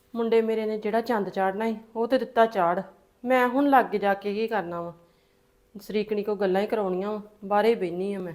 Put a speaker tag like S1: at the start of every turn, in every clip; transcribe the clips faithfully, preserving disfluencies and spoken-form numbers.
S1: ਮੁੰਡੇ ਮੇਰੇ ਨੇ ਜਿਹੜਾ ਚੰਦ ਚਾੜਨਾ ਸੀ ਉਹ ਤੇ ਦਿੱਤਾ ਚਾੜ। ਮੈਂ ਹੁਣ ਲੱਗ ਜਾ ਕੇ ਕੀ ਕਰਨਾ ਵਾ, ਸਰੀਕਣੀ ਕੋ ਗੱਲਾਂ ਹੀ ਕਰਾਉਣੀਆਂ ਵਾ, ਬਾਹਰੇ ਬੈਣੀ ਆ ਮੈਂ।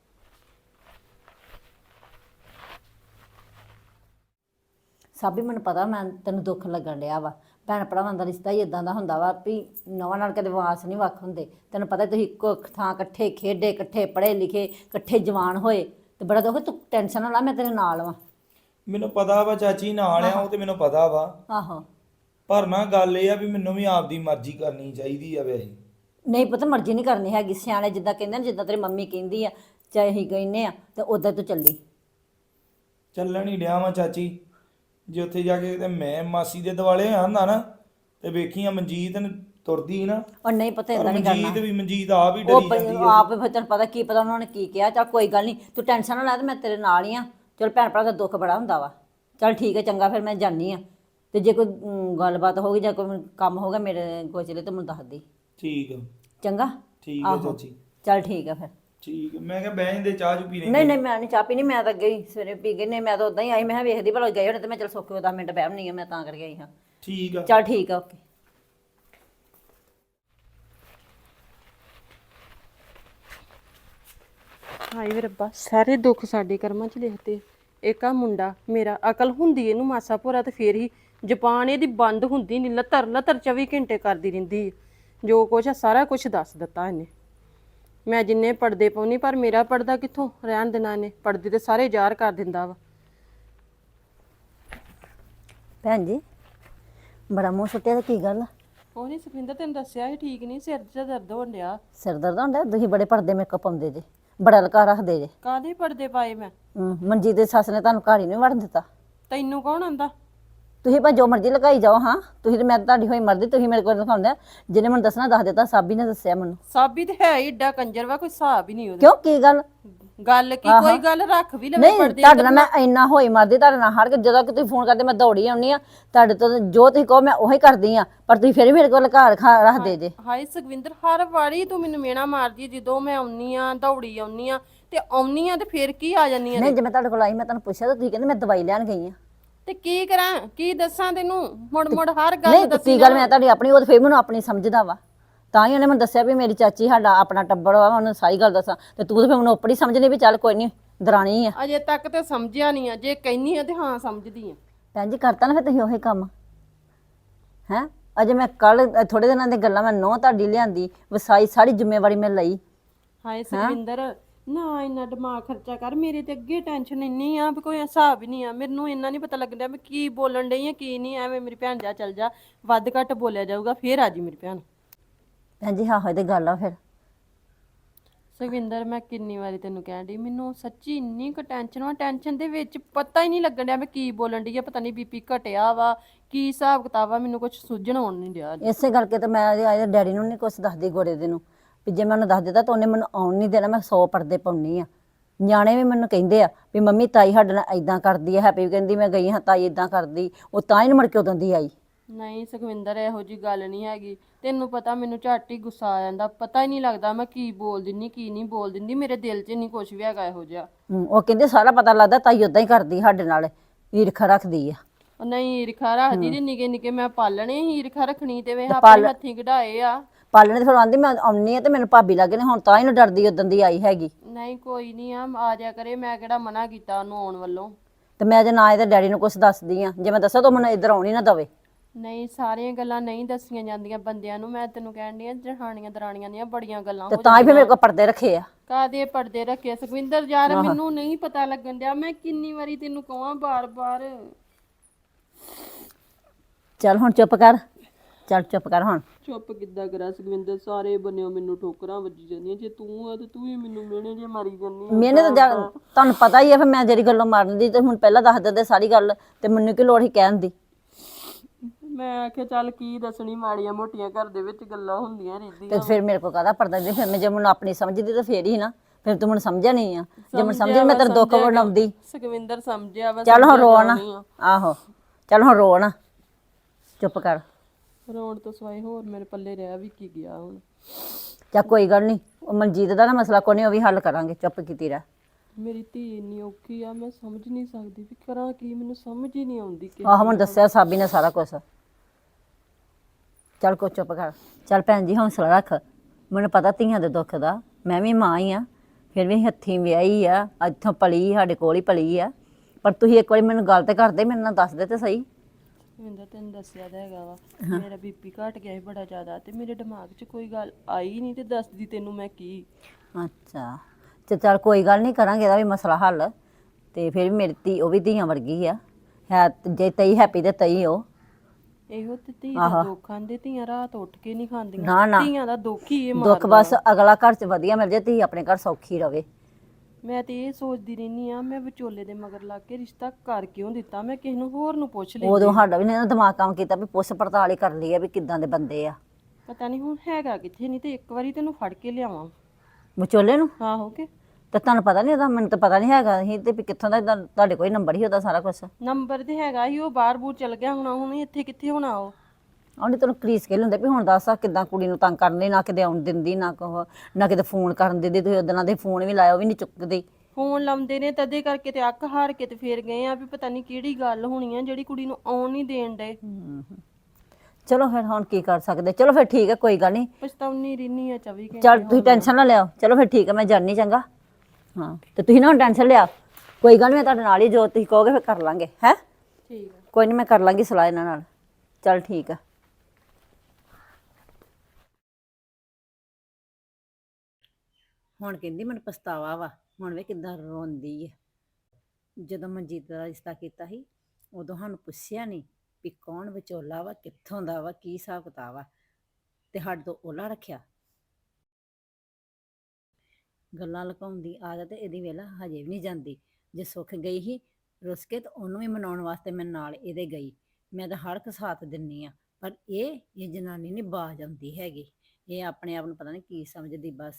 S2: ਸਾਬੀ ਮੈਨੂੰ ਪਤਾ ਮੈਂ ਤੈਨੂੰ ਦੁੱਖ ਲੱਗਣ ਡਿਆ ਵਾ। ਭੈਣ ਭਰਾਵਾਂ ਦਾ ਰਿਸ਼ਤਾ ਹੀ ਇਦਾਂ ਦਾ ਹੁੰਦਾ ਵਾ ਵੀ ਨਵਾਂ ਨਾਲ ਕਦੇ ਵਾਸ ਨਹੀਂ ਵੱਖ ਹੁੰਦੇ। ਤੈਨੂੰ ਪਤਾ ਤੁਸੀਂ ਇੱਕੋ ਥਾਂ ਇਕੱਠੇ ਖੇਡੇ, ਇਕੱਠੇ ਪੜ੍ਹੇ ਲਿਖੇ, ਇਕੱਠੇ ਜਵਾਨ ਹੋਏ ਤੇ ਬੜਾ ਦੁੱਖ। ਤੂੰ ਟੈਨਸ਼ਨ ਨਾ ਲਾ, ਮੈਂ ਤੇਰੇ ਨਾਲ ਵਾਂ।
S3: ਮੈਨੂੰ ਪਤਾ ਵਾ ਚਾਚੀ ਨਾਲ ਆ, ਉਹ ਤੇ ਮੈਨੂੰ ਪਤਾ ਵਾ।
S2: ਆਹੋ
S3: ਪਰ ਨਾ ਗੱਲ ਇਹ ਆ ਵੀ ਮੈਨੂੰ ਵੀ ਆਪਦੀ ਮਰਜ਼ੀ ਕਰਨੀ ਚਾਹੀਦੀ ਆ ਵੈਸੇ।
S2: ਨਹੀਂ ਪੁੱਤ, ਮਰਜ਼ੀ ਨਹੀਂ ਕਰਨੀ ਹੈਗੀ। ਸਿਆਣੇ ਜਿੱਦਾਂ ਕਹਿੰਦੇ ਨੇ, ਜਿੱਦਾਂ ਤੇਰੀ ਮੰਮੀ ਕਹਿੰਦੀ ਆ, ਚਾਹੇ ਅਸੀਂ ਕਹਿੰਦੇ ਆ ਤੇ ਉਦਾਂ ਤੂੰ ਚੱਲੀ।
S3: ਚੱਲਣ ਹੀ ਡਿਆ ਵਾ ਚਾਚੀ। ਜੇ ਉੱਥੇ ਜਾ ਕੇ ਤੇ ਮੈਂ ਮਾਸੀ ਦੇ ਦਿਵਾਲੇ ਆਂਦਾ ਨਾ ਤੇ ਵੇਖੀਆਂ ਮਨਜੀਤ ਨੇ ਤੁਰਦੀ ਨਾ।
S2: ਔਰ ਨਹੀਂ ਪਤਾ
S3: ਪਰ
S2: ਇਦਾਂ ਨਹੀਂ ਕਰਨਾ।
S3: ਮਨਜੀਤ ਵੀ ਮਨਜੀਤ ਆਪ ਹੀ
S2: ਉਹ
S3: ਡਰੀ
S2: ਪ-
S3: ਜਾਂਦੀ ਆ।
S2: ਆਪ ਫਿਰ ਤੈਨੂੰ ਪਤਾ ਕੀ ਪਤਾ ਉਹਨਾਂ ਨੇ ਕੀ ਕਿਹਾ। ਚੱਲ ਕੋਈ ਗੱਲ ਨਹੀਂ, ਤੂੰ ਟੈਨਸ਼ਨ ਨਾ ਲੈ, ਤੇ ਮੈਂ ਤੇਰੇ ਨਾਲ ਹੀ ਆ। ਚਲ ਭੈਣ ਭਰਾ ਦਾ ਦੁੱਖ ਬੜਾ ਹੁੰਦਾ ਵਾ। ਚੱਲ ਠੀਕ ਹੈ, ਚੰਗਾ, ਫਿਰ ਮੈਂ ਜਾਨੀ ਆ। ਤੇ ਜੇ ਕੋਈ ਅਮ, ਗੱਲਬਾਤ ਹੋਗੀ ਜਾਂ ਕੋਈ ਕੰਮ ਹੋਗਾ ਮੇਰੇ ਕੋਚਲੇ ਤੇ ਮੈਨੂੰ ਦੱਸ ਦੀ।
S3: ਠੀਕ ਆ,
S2: ਚੰਗਾ।
S3: ਠੀਕ ਆ
S2: ਆਹੋ।
S3: ਚਾਚੀ।
S2: ਚੱਲ ਠੀਕ ਆ ਫਿਰ।
S3: ਠੀਕ ਆ, ਮੈਂ ਕਿਹਾ ਬਹਿ ਜਾਂਦੇ ਚਾਹ ਚੂ ਪੀ ਲੈਂਦੇ।
S2: ਨਹੀਂ ਨਹੀਂ, ਮੈਂ ਨਹੀਂ ਚਾਹ ਪੀਣੀ। ਮੈਂ ਤਾਂ ਅੱਗੇ ਹੀ ਸਵੇਰੇ ਪੀ ਗਈ। ਨਹੀਂ ਮੈਂ ਤਾਂ ਉਦਾਂ ਹੀ ਆਈ। ਮੈਂ ਕਿਹਾ ਵੇਖਦੀ ਭਲਾ ਗਏ ਹੋਣੇ ਤੇ ਮੈਂ ਚਲ ਸੌਖੇ ਦਸ ਮਿੰਟ ਬਹਿ ਨਹੀਂ ਆ, ਮੈਂ ਤਾਂ ਕਰਕੇ ਆਈ ਹਾਂ।
S3: ਠੀਕ ਆ।
S2: ਚੱਲ ਠੀਕ ਆ, ਓਕੇ।
S1: ਹਾਏ ਵੇ ਰੱਬਾ, ਸਾਰੇ ਦੁੱਖ ਸਾਡੇ ਕਰਮਾਂ 'ਚ ਲਿਖਤੇ। ਇੱਕ ਆ ਮੁੰਡਾ ਮੇਰਾ, ਅਕਲ ਹੁੰਦੀ ਇਹਨੂੰ ਮਾਸਾ ਭੋਰਾ ਤੇ ਫੇਰ ਹੀ ਜ਼ਬਾਨ ਇਹਦੀ ਬੰਦ ਹੁੰਦੀ ਨਹੀਂ। ਲਤਰ ਲਤਰ ਚੌਵੀ ਘੰਟੇ ਕਰਦੀ ਰਹਿੰਦੀ। ਜੋ ਕੁਛ ਆ ਸਾਰਾ ਕੁਛ ਦੱਸ ਦਿੱਤਾ ਇਹਨੇ। ਮੈਂ ਜਿੰਨੇ ਪੜਦੇ ਪਾਉਣੀ, ਪਰ ਮੇਰਾ ਪੜਦਾ ਕਿੱਥੋਂ ਰਹਿਣ ਦੇਣਾ ਇਹਨੇ। ਪੜਦੇ ਤੇ ਸਾਰੇ ਜ਼ਾਹਰ ਕਰ ਦਿੰਦਾ ਵਾ।
S2: ਭੈਣ ਜੀ, ਬੜਾ ਮੂੰਹ ਸੁੱਟਿਆ ਤੇ ਕੀ ਗੱਲ?
S1: ਉਹ ਨਹੀਂ ਸੁਖਵਿੰਦਰ, ਤੈਨੂੰ ਦੱਸਿਆ ਸੀ ਠੀਕ ਨਹੀਂ, ਸਿਰ 'ਚ ਦਰਦ ਹੋਣ ਡਿਆ।
S2: ਸਿਰ ਦਰਦ ਹੁੰਦਾ? ਤੁਸੀਂ ਬੜੇ ਪਰਦੇ ਮੇਰੇ ਕੋਲ ਪਾਉਂਦੇ ਜੇ, ਬੜਾ ਲਕਾ ਰੱਖਦੇ ਜੇ।
S1: ਕਾਹਦੇ ਪੜਦੇ ਪਾਏ ਮੈਂ?
S2: ਹੂੰ, ਮਨਜੀਤ ਦੀ ਸੱਸ ਨੇ ਤੁਹਾਨੂੰ ਘਰ ਹੀ ਨਹੀਂ ਵੜਨ ਦਿੱਤਾ।
S1: ਤੈਨੂੰ ਕੌਣ ਆਂਦਾ?
S2: ਤੁਸੀਂ ਭਾਵੇਂ ਜੋ ਮਰਜ਼ੀ ਲਗਾਈ ਜਾਓ। ਹਾਂ, ਤੁਸੀਂ ਤੇ, ਮੈਂ ਤਾਂ ਤੁਹਾਡੀ ਹੋਈ ਮਰਜ਼ੀ, ਤੁਸੀਂ ਮੇਰੇ ਕੋਲ ਲਿਖਾਉਂਦੇ ਆ। ਜਿਹਨੇ ਮੈਨੂੰ ਦੱਸਣਾ ਦੱਸ ਦਿੱਤਾ। ਸਾਬੀ ਨੇ ਦੱਸਿਆ ਮੈਨੂੰ।
S1: ਸਾਬੀ ਤੇ ਹੈ ਹੀ ਏਡਾ ਕੰਜਰ ਵਾ, ਕੋਈ ਹਿਸਾਬ ਹੀ ਨਹੀਂ ਉਹਦਾ।
S2: ਕਿਉਂ, ਕੀ ਗੱਲ?
S1: ਗੱਲ ਕੀ, ਕੋਈ ਗੱਲ ਰੱਖ ਵੀ ਲਵੇ
S2: ਨਹੀਂ,
S1: ਪੜਦੇ।
S2: ਤੁਹਾਡੇ ਨਾਲ ਮੈਂ ਇੰਨਾ ਹੋਈ ਮਰਦੀ, ਤੁਹਾਡੇ ਨਾਲ ਹਰ ਕੇ ਜਦੋਂ ਕਿ ਤੁਸੀਂ ਫੋਨ ਕਰਦੇ ਮੈਂ ਦੌੜੀ ਆਉਣੀ ਆ। ਤੁਹਾਡੇ ਤੋਂ ਜੋ ਤੁਸੀਂ ਕਹੋ ਮੈਂ ਉਹੀ ਕਰਦੀ ਆ, ਪਰ ਤੁਸੀਂ ਫਿਰ ਵੀ ਮੇਰੇ ਕੋਲ ਘਰ ਖਾ ਰੱਖਦੇ ਜੇ।
S1: ਹਾਏ ਸੁਖਵਿੰਦਰ, ਹਰ ਵਾਰੀ ਤੂੰ ਮੈਨੂੰ ਮੇਣਾ ਮਾਰਦੀ। ਜਦੋਂ ਮੈਂ ਆਉਣੀ ਆ, ਦੌੜੀ ਆਉਣੀ ਆ ਤੇ ਆਉਣੀ ਆ ਤੇ ਫਿਰ ਕੀ ਆ ਜਾਨੀ ਆ?
S2: ਨਹੀਂ, ਜੇ ਮੈਂ ਤੁਹਾਡੇ ਕੋਲ ਆਈ, ਮੈਂ ਤੁਹਾਨੂੰ ਪੁੱਛਿਆ ਤਾਂ ਤੁਸੀਂ ਕਹਿੰਦੇ ਮੈਂ ਦਵਾਈ ਲੈਣ ਗਈ ਆ।
S1: ਤੇ ਕੀ ਕਰਾਂ, ਕੀ ਦੱਸਾਂ ਤੈਨੂੰ? ਮੁੜ ਮੁੜ ਹਰ ਗੱਲ
S2: ਨਹੀਂ,
S1: ਦੱਸੀ
S2: ਕੀ ਗੱਲ, ਮੈਂ ਤੁਹਾਡੀ ਆਪਣੀ, ਉਹ ਤਾਂ ਫਿਰ ਮੈਨੂੰ ਆਪਣੀ ਸਮਝਦਾ ਵਾ। ਤਾਂ ਹੀ ਉਹਨੇ ਮੈਨੂੰ ਦੱਸਿਆ ਵੀ ਮੇਰੀ ਚਾਚੀ ਸਾਡਾ ਆਪਣਾ ਟੱਬਰ ਵਾ, ਉਹਨੂੰ ਸਾਰੀ ਗੱਲ ਦੱਸਾਂ। ਤੇ ਤੂੰ ਤਾਂ ਫਿਰ ਮੈਨੂੰ ਆਪਣੀ ਸਮਝਣੀ ਵੀ ਚੱਲ ਕੋਈ ਨਹੀਂ, ਦਰਾਣੀ ਆ।
S1: ਅਜੇ ਤੱਕ ਤੇ ਸਮਝਿਆ ਨਹੀਂ ਆ। ਜੇ ਕਹਿਨੀ ਆ ਤੇ ਹਾਂ ਸਮਝਦੀ ਆ।
S2: ਭੈਣ ਜੀ, ਕਰਤਾ ਨਾ ਫਿਰ ਤੁਸੀਂ ਉਹੀ ਕੰਮ ਹੈ। ਅਜੇ ਮੈਂ ਕੱਲ ਥੋੜੇ ਦਿਨਾਂ ਦੀ ਗੱਲਾਂ, ਮੈਂ ਨਹੁੰ ਤੁਹਾਡੀ ਲਿਆਂਦੀ, ਵਸਾਈ, ਸਾਰੀ ਜ਼ਿੰਮੇਵਾਰੀ ਮੈਂ ਲਈ।
S1: ਹਾਏ ਸੁਖਵਿੰਦਰ, ਨਾ ਇੰਨਾ ਦਿਮਾਗ ਖਰਚਾ ਕਰ। ਮੇਰੇ ਤੇ ਅੱਗੇ ਟੈਨਸ਼ਨ ਇੰਨੀ ਆ ਵੀ ਕੋਈ ਹਿਸਾਬ ਹੀ ਨਹੀਂ ਆ। ਮੈਨੂੰ ਇੰਨਾ ਨਹੀਂ ਪਤਾ ਲੱਗਦਾ ਮੈਂ ਕੀ ਬੋਲਣ ਡਈ ਆ ਕੀ ਨਹੀਂ। ਐਵੇਂ ਮੇਰੀ ਭੈਣ ਜਾ ਚੱਲ ਜਾ, ਵੱਧ ਘੱਟ ਬੋਲਿਆ ਜਾਊਗਾ, ਫੇਰ ਆ ਜੀ ਮੇਰੀ ਭੈਣ।
S2: ਭੈਣ ਜੀ, ਹਾਂ ਹੋਏ ਤੇ ਗੱਲ ਆ ਫਿਰ।
S1: ਸੁਖਵਿੰਦਰ, ਮੈਂ ਕਿੰਨੀ ਵਾਰੀ ਤੈਨੂੰ ਕਹਿਣ ਡਈ, ਮੈਨੂੰ ਸੱਚੀ ਇੰਨੀ ਕੁ ਟੈਨਸ਼ਨ ਵਾ। ਟੈਨਸ਼ਨ ਦੇ ਵਿੱਚ ਪਤਾ ਹੀ ਨਹੀਂ ਲੱਗਣ ਡਿਆ ਮੈਂ ਕੀ ਬੋਲਣ ਡਈ ਆ। ਪਤਾ ਨਹੀਂ ਬੀਪੀ ਘਟਿਆ ਵਾ, ਕੀ ਹਿਸਾਬ ਕਿਤਾਬ ਆ, ਮੈਨੂੰ ਕੁਝ ਸੁੱਝਣ ਆਉਣ ਨਹੀਂ ਡਿਆ।
S2: ਇਸੇ ਕਰਕੇ ਤਾਂ ਮੈਂ ਇਹਦੇ ਡੈਡੀ ਨੂੰ ਨਹੀਂ ਕੁਛ ਦੱਸਦੀ ਗੋਰੇ ਦੇ ਨੂੰ, ਵੀ ਜੇ ਮੈਂ ਉਹਨੂੰ ਦੱਸ ਦਿੱਤਾ ਤਾਂ ਉਹਨੇ ਮੈਨੂੰ ਆਉਣ ਨਹੀਂ ਦੇਣਾ। ਮੈਂ ਸੌ ਪਰਦੇ ਪਾਉਣੀ ਆ। ਨਿਆਣੇ ਵੀ ਮੈਨੂੰ ਕਹਿੰਦੇ ਆ ਵੀ ਮੰਮੀ ਤਾਈ ਸਾਡੇ ਨਾਲ ਏਦਾਂ ਕਰਦੀ ਆ। ਹੈਪੀ ਵੀ ਕਹਿੰਦੀ ਮੈਂ ਗਈ ਹਾਂ ਤਾਈ ਏਦਾਂ ਕਰਦੀ। ਉਹ ਤਾਂ ਹੀ ਨੀ ਮੁੜ ਕੇ ਉਦੋਂ ਦੀ ਆਈ।
S1: ਨਹੀਂ ਸੁਖਵਿੰਦਰ, ਇਹੋ ਜੀ ਗੱਲ ਨਹੀਂ ਹੈਗੀ। ਤੈਨੂੰ ਪਤਾ ਮੈਨੂੰ ਝੱਟ ਹੀ ਗੁੱਸਾ ਆ ਜਾਂਦਾ। ਪਤਾ ਹੀ ਨਹੀਂ ਲੱਗਦਾ ਮੈਂ ਕੀ ਬੋਲ ਦਿੰਦੀ ਕੀ ਨਹੀਂ ਬੋਲ ਦਿੰਦੀ। ਮੇਰੇ ਦਿਲ 'ਚ ਨਹੀਂ ਕੁਝ ਵੀ ਹੈਗਾ ਇਹੋ ਜਿਹਾ।
S2: ਹੂੰ, ਉਹ ਕਹਿੰਦੇ ਸਾਰਾ ਪਤਾ ਲੱਗਦਾ ਤਾਈ ਉਦਾਂ ਹੀ ਕਰਦੀ ਸਾਡੇ ਨਾਲ, ਈਰਖਾ ਰੱਖਦੀ ਆ।
S1: ਉਹ ਨਹੀਂ ਈਰਖਾ ਰੱਖਦੀ ਤੇ ਨਿੱਕੇ ਨਿੱਕੇ ਮੈਂ ਪਾਲਣੇ ਸੀ। ਈਰਖਾ ਰੱਖਣੀ ਤੇ ਵੇ ਆਪਣੇ ਹੱਥੀਂ ਕਢਾਏ ਆ।
S2: ਪਾਲਣੇ ਤੇ ਫਿਰ ਆਂਦੀ ਮੈਂ ਆਉਣੀ ਆ ਤੇ ਮੈਨੂੰ ਭਾਬੀ ਲੱਗੇ ਨੇ, ਹੁਣ ਤਾਂ ਹੀ ਨੂੰ ਡਰਦੀ ਉਦੋਂ ਦੀ ਆਈ ਹੈਗੀ।
S1: ਨਹੀਂ ਕੋਈ ਨਹੀਂ ਆ, ਆ ਜਾ ਕਰੇ। ਮੈਂ ਕਿਹੜਾ ਮਨਾ ਕੀਤਾ ਉਹਨੂੰ ਆਉਣ ਵੱਲੋਂ।
S2: ਤੇ ਮੈਂ ਜੇ ਨਾ ਇਹਦੇ ਡੈਡੀ ਨੂੰ ਕੁਛ ਦੱਸਦੀ ਆ, ਜੇ ਮੈਂ ਦੱਸਾਂ ਤਾਂ ਮੈਨੂੰ ਇੱਧਰ ਆਉਣੀ ਨਾ ਦਵੇ।
S1: ਨਹੀਂ, ਸਾਰੀਆਂ ਗੱਲਾਂ ਨਹੀਂ ਦੱਸੀਆਂ ਜਾਂਦੀਆਂ ਬੰਦਿਆਂ ਨੂੰ। ਮੈਂ ਤੈਨੂੰ ਕਹਿਣ ਡਈ ਆ, ਜਠਾਣੀਆਂ ਦਰਾਣੀਆਂ ਦੀਆਂ ਬੜੀਆਂ ਗੱਲਾਂ
S2: ਤੇ
S1: ਹੋ
S2: ਤਾਂ ਹੀ ਫਿਰ ਮੇਰੇ ਕੋਲ ਪਰਦੇ ਰੱਖੇ ਆ।
S1: ਕਾਹਦੇ ਪਰਦੇ ਰੱਖੇ ਸੁਖਵਿੰਦਰ? ਯਾਰ ਮੈਨੂੰ ਨਹੀਂ ਪਤਾ ਲੱਗਣ ਡਿਆ। ਮੈਂ ਕਿੰਨੀ ਵਾਰੀ ਤੈਨੂੰ ਕਹਾਂ ਬਾਰ-ਬਾਰ।
S2: ਚੱਲ ਹੁਣ ਚੁੱਪ ਕਰ, ਚੱਲ ਚੁੱਪ ਕਰ ਹੁਣ।
S1: ਚੁੱਪ ਕਿੱਦਾਂ ਕਰਾਂ ਸੁਖਵਿੰਦਰ? ਸਾਰੇ ਬੰਨਿਓ ਮੈਨੂੰ ਠੋਕਰਾਂ ਵੱਜੀ ਜਾਂਦੀਆਂ। ਜੇ ਤੂੰ ਆ ਤੇ ਤੂੰ ਹੀ ਮੈਨੂੰ ਮਿਹਣੇ ਜੇ ਮਾਰੀ ਜਾਂਦੀ ਆ।
S2: ਮੈਨੇ ਤਾਂ ਜਾ- ਤੁਹਾਨੂੰ ਪਤਾ ਹੀ ਆ ਫਿਰ ਮੈਂ ਜਿਹੜੀ ਗੱਲੋਂ ਮਾਰਨ ਦੀ, ਤੇ ਹੁਣ ਪਹਿਲਾਂ ਦੱਸ ਦਿੰਦੇ ਸਾਰੀ ਗੱਲ, ਤੇ ਮੈਨੂੰ ਕੀ ਲੋੜ ਸੀ ਕਹਿਣ ਦੀ।
S1: ਮੈਂ ਆਖਿਆ ਚੱਲ ਕੀ ਦੱਸਣੀ, ਮਾੜੀਆਂ ਮੋਟੀਆਂ ਘਰ ਦੇ ਵਿੱਚ ਗੱਲਾਂ ਹੁੰਦੀਆਂ ਰਹਿੰਦੀਆਂ।
S2: ਤੇ ਫਿਰ ਮੇਰੇ ਕੋਲ ਕਾਹਦਾ ਪਰਦਾ ਦੇ? ਫਿਰ ਮੈਂ ਜੇ ਮੈਨੂੰ ਆਪਣੀ ਸਮਝਦੀ ਤਾਂ ਫੇਰ ਹੀ ਨਾ। ਫਿਰ ਤੂੰ ਮੈਨੂੰ ਸਮਝਿਆ ਨਹੀਂ ਆ। ਜੇ ਮੈਨੂੰ ਸਮਝੀ ਮੈਂ ਤੇਰਾ ਦੁੱਖ ਵੰਡਾਉਂਦੀ।
S1: ਸੁਖਵਿੰਦਰ ਸਮਝਿਆ ਵਾ।
S2: ਚੱਲ ਹੁਣ ਰੋ ਨਾ। ਆਹੋ, ਚੱਲ ਹੁਣ ਰੋ ਨਾ, ਚੁੱਪ ਕਰ।
S1: ਰੋਣ ਤੋਂ ਸਿਵਾਏ ਹੋਰ ਮੇਰੇ ਪੱਲੇ ਰਹਿ ਵੀ ਕੀ ਗਿਆ ਹੁਣ।
S2: ਚੱਲ ਕੋਈ ਗੱਲ ਨਹੀਂ, ਉਹ ਮਨਜੀਤ ਦਾ ਨਾ ਮਸਲਾ ਕੋਈ ਨਹੀਂ, ਉਹ ਵੀ ਹੱਲ ਕਰਾਂਗੇ। ਚੁੱਪ ਕੀਤੀ ਰਹਿ।
S1: ਮੇਰੀ ਧੀ ਇੰਨੀ ਔਖੀ ਆ, ਮੈਂ ਸਮਝ ਨਹੀਂ ਸਕਦੀ ਵੀ ਕਰਾਂ ਕੀ, ਮੈਨੂੰ ਸਮਝ ਹੀ ਨਹੀਂ ਆਉਂਦੀ ਕਿ
S2: ਆਹ ਮੈਨੂੰ ਦੱਸਿਆ ਸਾਬੀ ਨੇ ਸਾਰਾ ਕੁਝ। ਚੱਲ ਕੋ ਚੁੱਪ ਕਰ। ਚੱਲ ਭੈਣ ਜੀ ਹੌਸਲਾ ਰੱਖ, ਮੈਨੂੰ ਪਤਾ ਧੀਆਂ ਦੇ ਦੁੱਖ ਦਾ, ਮੈਂ ਵੀ ਮਾਂ ਹੀ ਆ, ਫਿਰ ਵੀ ਹੱਥੀਂ ਵਿਆਹੀ ਆ, ਇੱਥੋਂ ਪਲੀ ਸਾਡੇ ਕੋਲ ਹੀ ਪਲੀ ਆ। ਪਰ ਤੁਸੀਂ ਇੱਕ ਵਾਰੀ ਮੈਨੂੰ ਗੱਲ ਤੇ ਕਰਦੇ, ਮੈਨੂੰ ਨਾਲ ਦੱਸ ਦੇ ਤੇ ਸਹੀ।
S1: ਮੈਂ ਤਾਂ ਤੈਨੂੰ ਦੱਸਿਆ ਤਾਂ ਹੈਗਾ ਵਾ, ਮੇਰਾ ਬੀਪੀ ਘਟ ਗਿਆ ਸੀ ਬੜਾ ਜ਼ਿਆਦਾ, ਤੇ ਮੇਰੇ ਦਿਮਾਗ 'ਚ ਕੋਈ ਗੱਲ ਆਈ ਨਹੀਂ ਤੇ ਦੱਸਦੀ ਤੈਨੂੰ ਮੈਂ ਕੀ।
S2: ਅੱਛਾ ਤੇ ਚੱਲ ਕੋਈ ਗੱਲ ਨਹੀਂ, ਕਰਾਂਗੇ ਇਹਦਾ ਵੀ ਮਸਲਾ ਹੱਲ। ਤੇ ਫਿਰ ਵੀ ਮੇਰੀ ਧੀ ਉਹ ਵੀ ਧੀਆਂ ਵਰਗੀ ਆ, ਹੈ ਜੇ ਤਈ ਹੈਪੀ ਤੇ ਤਈ ਉਹ।
S1: ਇਹੋ ਤੇ ਧੀ ਦਾ ਦੁੱਖ ਆਂਦੇ, ਧੀਆਂ ਰਾਤ ਉੱਠ ਕੇ ਨਹੀਂ
S2: ਨਾ
S1: ਖਾਂਦੀਆਂ,
S2: ਨਾ
S1: ਧੀਆਂ ਦਾ ਦੁੱਖ ਹੀ ਇਹ
S2: ਦੁੱਖ
S1: ਮਾਰਦਾ।
S2: ਬਸ ਅਗਲਾ ਘਰ ਚ ਵਧੀਆ ਮਿਲ ਜੇ, ਧੀ ਆਪਣੇ ਘਰ ਸੌਖੀ ਰਵੇ।
S1: ਮੈਂ ਤੇ ਇਹ ਸੋਚਦੀ ਰਹਿਨੀ ਆ, ਮੈਂ ਵਿਚੋਲੇ ਦੇ ਮਗਰ ਲੱਗ ਕੇ ਰਿਸ਼ਤਾ ਕਰ ਕਿਉਂ ਦਿੱਤਾ, ਮੈਂ ਕਿਸੇ ਨੂੰ ਹੋਰ ਨੂੰ ਪੁੱਛ ਲਈ।
S2: ਉਦੋਂ ਸਾਡਾ ਵੀ ਨਾ ਦਿਮਾਗ ਕੰਮ ਕੀਤਾ ਵੀ ਪੁੱਛ ਪੜਤਾਲ ਹੀ ਕਰ ਲਈ ਆ ਵੀ ਕਿੱਦਾਂ ਦੇ ਬੰਦੇ ਆ।
S1: ਪਤਾ ਨਹੀਂ ਹੁਣ ਹੈਗਾ ਕਿੱਥੇ, ਨਹੀਂ ਤੇ ਇੱਕ ਵਾਰੀ ਤੈਨੂੰ ਫੜ ਕੇ ਲਿਆਵਾਂ।
S2: ਵਿਚੋਲੇ ਨੂੰ
S1: ਆਹੋ ਕੇ
S2: ਤੇ ਤੁਹਾਨੂੰ ਪਤਾ ਨਹੀਂ ਉਹਦਾ, ਮੈਨੂੰ ਤਾਂ ਪਤਾ ਨਹੀਂ ਹੈਗਾ ਸੀ ਤੇ ਵੀ ਕਿੱਥੋਂ ਦਾ ਏਦਾਂ ਤੁਹਾਡੇ ਕੋਈ ਨੰਬਰ ਹੀ ਉਹਦਾ ਸਾਰਾ ਕੁਝ।
S1: ਨੰਬਰ ਤੇ ਹੈਗਾ ਹੀ, ਉਹ ਬਾਹਰ ਬੂਰ ਚਲ ਗਿਆ ਹੋਣਾ, ਹੁਣ ਇੱਥੇ ਕਿੱਥੇ ਹੋਣਾ ਉਹ।
S2: ਉਹਨੇ ਤੈਨੂੰ ਕਰੀਸ ਕੇ ਹੁੰਦੇ ਵੀ ਹੁਣ ਦੱਸ ਆ ਕਿੱਦਾਂ ਕੁੜੀ ਨੂੰ ਤੰਗ ਕਰਨੀ, ਨਾ ਕਿਤੇ ਆਉਣ ਦਿੰਦੀ, ਨਾ ਕੋ ਨਾ ਕਿਤੇ ਫੋਨ ਕਰਨ ਦਿੰਦੀ। ਤੁਸੀਂ ਉਹਦਾਂ ਦੇ ਫੋਨ ਵੀ ਲਾਇਆ, ਉਹ ਵੀ ਨਹੀਂ ਚੁੱਕਦੀ।
S1: ਫੋਨ ਲਾਉਂਦੇ ਨੇ ਤਦੇ ਕਰਕੇ ਤੇ ਅੱਕ ਹਾਰ ਕੇ ਤੇ ਫੇਰ ਗਏ ਆ ਵੀ ਪਤਾ ਨਹੀਂ ਕਿਹੜੀ ਗੱਲ ਹੋਣੀ ਆ ਜਿਹੜੀ ਕੁੜੀ ਨੂੰ ਆਉਣ ਨਹੀਂ ਦੇਣ ਡੇ।
S2: ਚਲੋ ਫਿਰ ਹੁਣ ਕੀ ਕਰ ਸਕਦੇ, ਚਲੋ ਫਿਰ ਠੀਕ ਹੈ ਕੋਈ ਗੱਲ ਨਹੀਂ।
S1: ਪਛਤਾਉਣੀ ਰਹਿਨੀ ਆ ਚੌਵੀ ਘੰਟੇ।
S2: ਚੱਲ ਤੁਸੀਂ ਟੈਨਸ਼ਨ ਨਾ ਲਿਆਓ, ਚਲੋ ਫਿਰ ਠੀਕ ਹੈ ਮੈਂ ਜਾਣੀ ਚੰਗਾ। ਹਾਂ ਤੇ ਤੁਸੀਂ ਨਾ ਹੁਣ ਟੈਨਸ਼ਨ ਲਿਆ, ਕੋਈ ਗੱਲ ਨਹੀਂ, ਮੈਂ ਤੁਹਾਡੇ ਨਾਲ ਹੀ ਜੋ ਤੁਸੀਂ ਕਹੋਗੇ ਫਿਰ ਕਰ ਲਾਂਗੇ। ਹੈ
S1: ਠੀਕ ਆ।
S2: ਕੋਈ ਨਹੀਂ, ਮੈਂ ਕਰ ਲਾਂਗੀ ਸਲਾਹ ਇਹਨਾਂ ਨਾਲ। ਚੱਲ ਠੀਕ ਆ। ਹੁਣ ਕਹਿੰਦੀ ਮੈਨੂੰ ਪਛਤਾਵਾ ਵਾ, ਹੁਣ ਵੇ ਕਿੱਦਾਂ ਰੋਂਦੀ ਹੈ। ਜਦੋਂ ਮਨਜੀਤ ਦਾ ਰਿਸ਼ਤਾ ਕੀਤਾ ਸੀ ਉਦੋਂ ਸਾਨੂੰ ਪੁੱਛਿਆ ਨਹੀਂ ਵੀ ਕੌਣ ਵਿਚੋਲਾ ਵਾ, ਕਿੱਥੋਂ ਦਾ ਵਾ, ਕੀ ਹਿਸਾਬ ਕਿਤਾਬ ਵਾ, ਤੇ ਸਾਡੇ ਤੋਂ ਓਲਾ ਰੱਖਿਆ। ਗੱਲਾਂ ਲੁਕਾਉਣ ਦੀ ਆਦਤ ਇਹਦੀ ਵੇਲਾ ਹਜੇ ਵੀ ਨਹੀਂ ਜਾਂਦੀ। ਜੇ ਸੁੱਖ ਗਈ ਸੀ ਰੁੱਸ ਕੇ ਤਾਂ ਉਹਨੂੰ ਵੀ ਮਨਾਉਣ ਵਾਸਤੇ ਮੈਂ ਨਾਲ ਇਹਦੇ ਗਈ, ਮੈਂ ਤਾਂ ਹਰ ਇੱਕ ਸਾਥ ਦਿੰਨੀ ਆ। ਪਰ ਇਹ ਇਹ ਜਨਾਨੀ ਨਹੀਂ ਬਾਜ਼ ਆਉਂਦੀ ਹੈਗੀ, ਇਹ ਆਪਣੇ ਆਪ ਨੂੰ ਪਤਾ ਨਹੀਂ ਕੀ ਸਮਝਦੀ ਬਸ।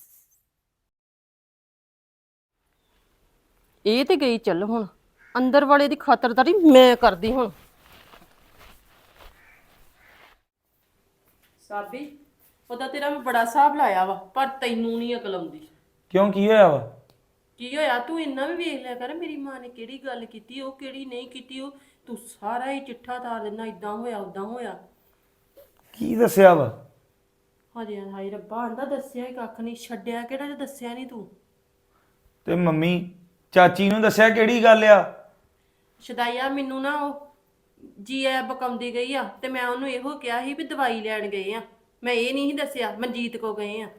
S1: ਇਹ ਤੇ ਗਈ ਚੱਲ, ਹੁਣ ਅੰਦਰ ਵਾਲੇ ਦੀ ਖਾਤਰਦਾਰੀ ਮੈਂ ਕਰਦੀ ਹੁਣ। ਸਾਬੀ ਉਹਦਾ ਤੇਰਾ ਮੈਂ ਬੜਾ ਹਿਸਾਬ ਲਾਇਆ ਵਾ, ਪਰ ਤੈਨੂੰ ਨਹੀਂ ਅਕਲ ਆਉਂਦੀ।
S3: ਕਿਉਂ ਕੀ ਹੋਇਆ ਵਾ?
S1: ਕੀ ਹੋਇਆ ਤੂੰ ਇੰਨਾ ਵੀ ਵੇਖ ਲਿਆ ਕਰ, ਮੇਰੀ ਮਾਂ ਨੇ ਕਿਹੜੀ ਗੱਲ ਕੀਤੀ, ਉਹ ਕਿਹੜੀ ਨਹੀਂ ਕੀਤੀ, ਉਹ ਤੂੰ ਸਾਰਾ ਹੀ ਚਿੱਠਾ ਤਾਰ ਦਿੰਦਾ, ਇਦਾਂ ਹੋਇਆ ਉਦਾਂ ਹੋਇਆ।
S3: ਕੀ ਦੱਸਿਆ ਵਾ?
S1: ਹਜੇ ਹਾਏ ਰੱਬਾ ਆਂਦਾ ਦੱਸਿਆ ਹੀ ਕੱਖ ਨਹੀਂ, ਛੱਡਿਆ ਕਿਹੜਾ ਜੇ ਦੱਸਿਆ ਨਹੀਂ ਤੂੰ।
S3: ਤੇ ਮੰਮੀ ਚਾਚੀ ਨੂੰ ਦੱਸਿਆ ਕਿਹੜੀ ਗੱਲ ਆ?
S1: ਸ਼ਦਾਈਆ ਮੈਨੂੰ ਨਾ ਉਹ ਜੀ ਐ ਬਕਾਉਂਦੀ ਗਈ ਆ, ਤੇ ਮੈਂ ਉਹਨੂੰ ਇਹੋ ਕਿਹਾ ਸੀ ਵੀ ਦਵਾਈ ਲੈਣ ਗਏ ਆ, ਮੈਂ ਇਹ ਨਹੀਂ ਸੀ ਦੱਸਿਆ ਮਨਜੀਤ ਕੋ ਗਏ ਆ।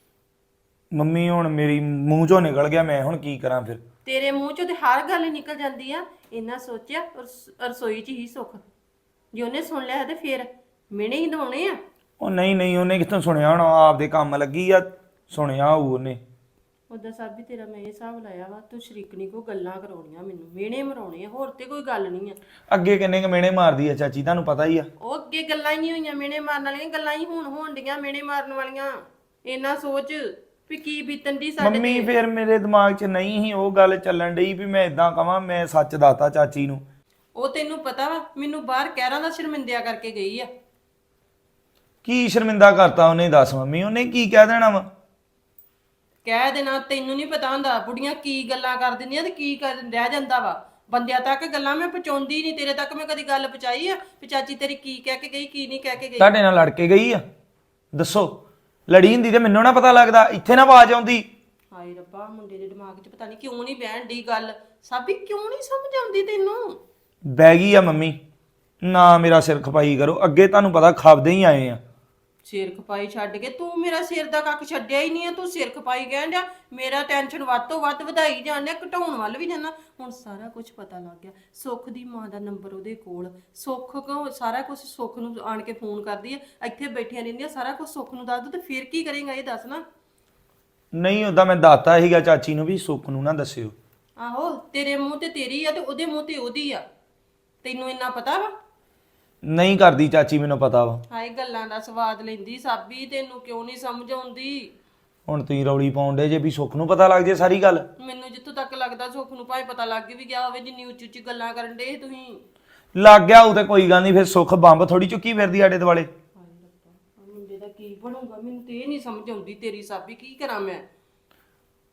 S3: ਮੰਮੀ ਹੁਣ ਮੇਰੀ ਮੂੰਹ ਚੋਂ ਨਿਕਲ ਗਿਆ, ਮੈਂ ਹੁਣ ਕੀ ਕਰਾਂ ਫਿਰ?
S1: ਤੇਰੇ ਮੂੰਹ ਚੋਂ ਤੇ ਹਰ ਗੱਲ ਹੀ ਨਿਕਲ ਜਾਂਦੀ ਆ। ਇੰਨਾ ਸੋਚਿਆ ਰਸ- ਰਸੋਈ 'ਚ ਹੀ ਸੁੱਖ, ਜੇ ਉਹਨੇ ਸੁਣ ਲਿਆ ਤੇ ਫੇਰ ਮਿਹਣੇ ਹੀ ਦਵਾਉਣੇ ਆ।
S3: ਉਹ ਨਹੀਂ ਨਹੀਂ, ਉਹਨੇ ਕਿੱਥੋਂ ਸੁਣਿਆ ਹੋਣਾ, ਆਪਦੇ ਕੰਮ ਲੱਗੀ ਆ, ਸੁਣਿਆ ਹੋਊ ਉਹਨੇ।
S1: ਉਦਾਂ ਸਭ ਵੀ ਤੇਰਾ ਮੈਂ ਇਹ ਹਿਸਾਬ ਲਾਇਆ ਵਾ, ਤੂੰ ਸ਼ਰੀਕਣੀ ਕੋ ਗੱਲਾਂ ਕਰਾਉਣੀਆਂ ਮੈਨੂੰ, ਮਿਹਣੇ ਮਰਾਉਣੇ ਆ, ਹੋਰ ਤੇ ਕੋਈ ਗੱਲ ਨਹੀਂ ਆ।
S3: ਅੱਗੇ ਕਿੰਨੇ ਕ ਮਿਹਣੇ ਮਾਰਦੀ ਆ ਚਾਚੀ, ਤੁਹਾਨੂੰ ਪਤਾ ਹੀ ਆ।
S1: ਉਹ ਅੱਗੇ ਗੱਲਾਂ ਹੀ ਨਹੀਂ ਹੋਈਆਂ ਮਿਹਣੇ ਮਾਰਨ ਵਾਲੀਆਂ, ਗੱਲਾਂ ਹੀ ਹੁਣ ਹੋਣ ਡੀਆਂ ਮਿਹਣੇ ਮਾਰਨ ਵਾਲੀਆਂ। ਇੰਨਾ ਸੋਚ ਵੀ ਕੀ ਬੀਤਣ ਦੀ ਸਾਡੇ
S3: ਮੰਮੀ
S1: ਤੇ।
S3: ਫਿਰ ਮੇਰੇ ਦਿਮਾਗ 'ਚ ਨਹੀਂ ਸੀ ਉਹ ਗੱਲ ਚੱਲਣ ਡਈ ਵੀ ਮੈਂ ਇਦਾਂ ਕਵਾਂ, ਮੈਂ ਸੱਚ ਦੱਸਤਾ ਚਾਚੀ ਨੂੰ।
S1: ਉਹ ਤੈਨੂੰ ਪਤਾ ਵਾ ਮੈਨੂੰ ਬਾਹਰ ਕਹਿਰਾਂ ਦਾ ਸ਼ਰਮਿੰਦਿਆ ਕਰਕੇ ਗਈ ਆ।
S3: ਕੀ ਸ਼ਰਮਿੰਦਾ ਕਰਤਾ ਉਹਨੇ, ਦੱਸ ਮੰਮੀ, ਉਹਨੇ ਕੀ ਕਹਿ ਦੇਣਾ ਵਾ?
S1: ਕਹਿ ਦੇਣਾ ਤੈਨੂੰ ਨਹੀਂ ਪਤਾ ਹੁੰਦਾ, ਬੁੜੀਆਂ ਕੀ ਗੱਲਾਂ ਕਰ ਦਿੰਦੀਆਂ ਤੇ ਕੀ ਕਰ ਰਹਿ ਜਾਂਦਾ ਵਾ। ਬੰਦਿਆਂ ਤੱਕ ਗੱਲਾਂ ਮੈਂ ਪਹੁੰਚਾਉਂਦੀ ਨਹੀਂ, ਤੇਰੇ ਤੱਕ ਮੈਂ ਕਦੀ ਗੱਲ ਪਹੁੰਚਾਈ ਆ ਵੀ ਚਾਚੀ ਤੇਰੀ ਕੀ ਕਹਿ ਕੇ ਗਈ ਕੀ ਨਹੀਂ ਕਹਿ ਕੇ ਗਈ।
S3: ਤੁਹਾਡੇ ਨਾਲ ਲੜ ਕੇ ਗਈ ਆ? ਦੱਸੋ, ਲੜੀ ਹੁੰਦੀ ਤੇ ਮੈਨੂੰ ਨਾ ਪਤਾ ਲੱਗਦਾ, ਇੱਥੇ ਨਾ ਆਵਾਜ਼ ਆਉਂਦੀ।
S1: ਹਾਏ ਰੱਬਾ ਮੁੰਡੇ ਦੇ ਦਿਮਾਗ 'ਚ ਪਤਾ ਨਹੀਂ ਕਿਉਂ ਨਹੀਂ ਬਹਿਣ ਦੀ ਗੱਲ, ਸਾਬੀ ਕਿਉਂ ਨਹੀਂ ਸਮਝ ਆਉਂਦੀ ਤੈਨੂੰ?
S3: ਬਹਿ ਗਈ ਆ ਮੰਮੀ, ਨਾ ਮੇਰਾ ਸਿਰ ਖਪਾਈ ਕਰੋ, ਅੱਗੇ ਤੁਹਾਨੂੰ ਪਤਾ ਖਾਬਦੇ ਹੀ ਆਏ ਆ।
S1: ਸਿਰ ਖਪਾਈ ਛੱਡ ਕੇ ਤੂੰ ਮੇਰਾ ਸਿਰ ਦਾ ਕੱਖ ਛੱਡਿਆ ਹੀ ਨਹੀਂ ਆ, ਤੂੰ ਸਿਰ ਖਪਾਈ ਕਹਿਣ ਡਿਆ, ਮੇਰਾ ਟੈਨਸ਼ਨ ਵੱਧ ਤੋਂ ਵੱਧ ਵਧਾਈ ਜਾਂਦੇ, ਘਟਾਉਣ ਵੱਲ ਵੀ ਜਾਂਦਾ। ਹੁਣ ਸਾਰਾ ਕੁਝ ਪਤਾ ਲੱਗ ਗਿਆ, ਸੁੱਖ ਦੀ ਮਾਂ ਦਾ ਨੰਬਰ ਉਹਦੇ ਕੋਲ, ਸੁੱਖ ਕੋ ਸਾਰਾ ਕੁਝ ਸੁੱਖ ਨੂੰ ਆਣ ਕੇ ਫੋਨ ਕਰਦੀ ਆ, ਇੱਥੇ ਬੈਠੀਆਂ ਰਹਿੰਦੀਆਂ, ਸਾਰਾ ਕੁਝ ਸੁੱਖ ਨੂੰ ਦੱਸ ਦੋ ਤੇ ਫਿਰ ਕੀ ਕਰੇਗਾ ਇਹ ਦੱਸ ਨਾ।
S3: ਨਹੀਂ ਉਦਾਂ ਮੈਂ ਦੱਸਤਾ ਸੀਗਾ ਚਾਚੀ ਨੂੰ ਵੀ ਸੁੱਖ ਨੂੰ ਨਾ ਦੱਸਿਓ।
S1: ਆਹੋ ਤੇਰੇ ਮੂੰਹ ਤੇ ਤੇਰੀ ਆ ਤੇ ਉਹਦੇ ਮੂੰਹ ਤੇ ਉਹਦੀ ਆ, ਤੈਨੂੰ ਇੰਨਾ ਪਤਾ ਵਾ?
S3: ਨਹੀਂ ਕਰਦੀ ਚਾਚੀ, ਮੈਨੂੰ ਪਤਾ ਵਾ।
S1: ਹਾਏ ਗੱਲਾਂ ਦਾ ਸਵਾਦ ਲੈਂਦੀ ਸਾਬੀ, ਤੈਨੂੰ ਕਿਉਂ ਨਹੀਂ ਸਮਝ ਆਉਂਦੀ?
S3: ਹੁਣ ਤੁਸੀਂ ਰੌਲੀ ਪਾਉਂਦੇ ਜੇ ਵੀ ਸੁੱਖ ਨੂੰ ਪਤਾ ਲੱਗ ਜੇ ਸਾਰੀ ਗੱਲ।
S1: ਮੈਨੂੰ ਜਿੱਥੋਂ ਤੱਕ ਲੱਗਦਾ ਸੁੱਖ ਨੂੰ ਭਾਵੇਂ ਪਤਾ ਲੱਗ ਵੀ ਗਿਆ ਹੋਵੇ, ਜਿੰਨੀ ਉੱਚੀ ਉੱਚੀ ਗੱਲਾਂ ਕਰਨ ਦੇ ਤੁਸੀਂ।
S3: ਲੱਗ ਗਿਆ ਉਹ ਤੇ ਕੋਈ ਗੱਲ ਨਹੀਂ, ਫਿਰ ਸੁੱਖ ਬੰਬ ਥੋੜੀ ਚੁੱਕੀ ਫਿਰਦੀ ਆਡੇ ਦੁਆਲੇ।
S1: ਮੁੰਡੇ ਦਾ ਕੀ ਬਣੂਗਾ ਮੈਨੂੰ ਤੇ ਇਹ ਨਹੀਂ ਸਮਝ ਆਉਂਦੀ ਤੇਰੀ ਸਾਬੀ, ਕੀ ਕਰਾਂ ਮੈਂ?